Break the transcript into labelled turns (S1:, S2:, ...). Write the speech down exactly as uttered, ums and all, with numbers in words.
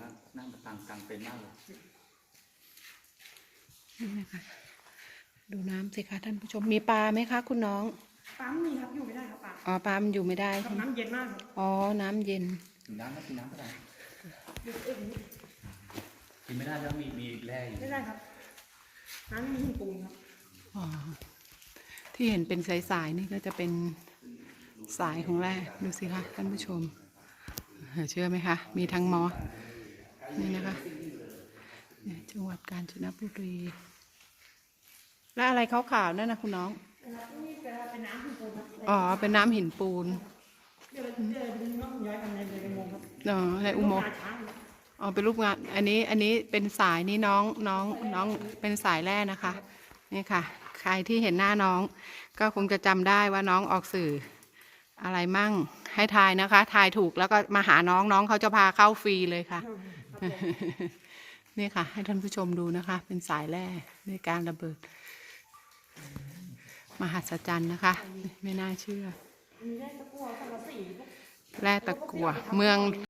S1: งนั่งกลางกลางเป็นมากเลย
S2: นี่นะคะดูน้ำสิคะท่านผู้ชมมีปลาไหมคะคุณน้อง
S3: ปลาไม่มีครับอยู่ไม่ได้ครับปลา
S2: อ๋อปลามันอยู่ไม่ได้
S3: ครับน้ำเย็นมากครับ
S2: อ๋อน้ำเย็น
S1: กินน้ำก็กินน้ำก็ได้กินไม่ได้แล้วมีมีแร่อยู่
S3: ไม่ได้ครับน้ำไม่มีปูนครับ
S2: อ๋อที่เห็นเป็นสายๆนี่ก็จะเป็นสายของแร่ดูสิคะท่านผู้ชมเชื่อไหมคะมีทั้งมอสนี่นะคะจังหวัดกาญจนบุรีแล้วอะไรขาวๆนั่นนะคุณน้อง
S3: นี่เป็นน้ำหินปูนครับ
S2: อ๋อเป็นน้ำหินปูน
S3: เดี๋ยวเดี๋ยวดึงน้องย้ายกันในในอุโมงค์ครับ
S2: อ๋อในอุโมงค์อ๋อเป็นรูปงานอันนี้อันนี้เป็นสายนี่น้องน้องน้องเป็นสายแร่นะคะนี่ค่ะใครที่เห็นหน้าน้องก็คงจะจำได้ว่าน้องออกสื่ออะไรมั่งให้ทายนะคะทายถูกแล้วก็มาหาน้องน้องเขาจะพาเข้าฟรีเลยค่ะนี่ค่ะให้ท่านผู้ชมดูนะคะเป็นสายแร่ในการระเบิดมหัศจรรย์นะคะไม่น่าเชื่อแร่ตะกั่วเมือง